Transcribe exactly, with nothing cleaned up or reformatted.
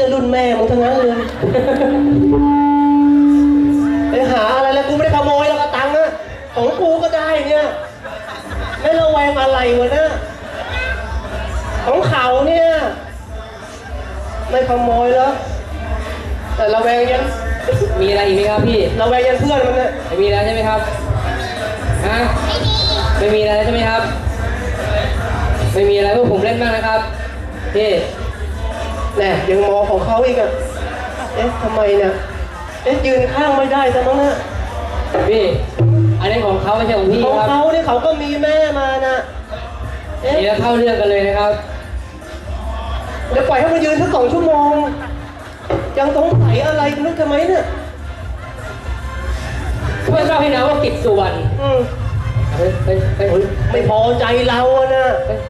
ก็รุ่นแม่มึงทั้งนั้นเลยไปหาอะไรแล้วกูไม่ได้ขโมยแล้วก็ตังค์อะของกูก็ได้เนี่ยไม่ระแวงอะไรวะนะของเขาเนี่ยไม่ขโมยแล้วแต่ระแวงยันมีอะไรอีกไหมครับพี่ระแวงยันเพื่อนมันเนี่ยไม่มีแล้วใช่ไหมครับฮะไม่มีอะไรใช่ไหมครับไม่มีอะไรพวกผมเล่นบ้างนะครับพี่แน่ยังมองของเขาอีกอะเอ๊ะทำไมเนี่ยเอ๊ะยืนข้างไม่ได้ซะมั้งนะพี่อันนี้ของเขาไม่ใช่ของพี่ของครับเขาเนี่ยเขาก็มีแม่มานะเอ๊ะนี่แล้วเข้าเรื่องกันเลยนะครับเดี๋ยวปล่อยให้มันยืนสักสองชั่วโมงยังสงสัยอะไรนึกทำไมเนี่ยเพื่อนเราให้นะว่ากิจสุวรรณอืมเฮ้ยเฮ้ยเฮ้ยไม่พอใจเราอะนะ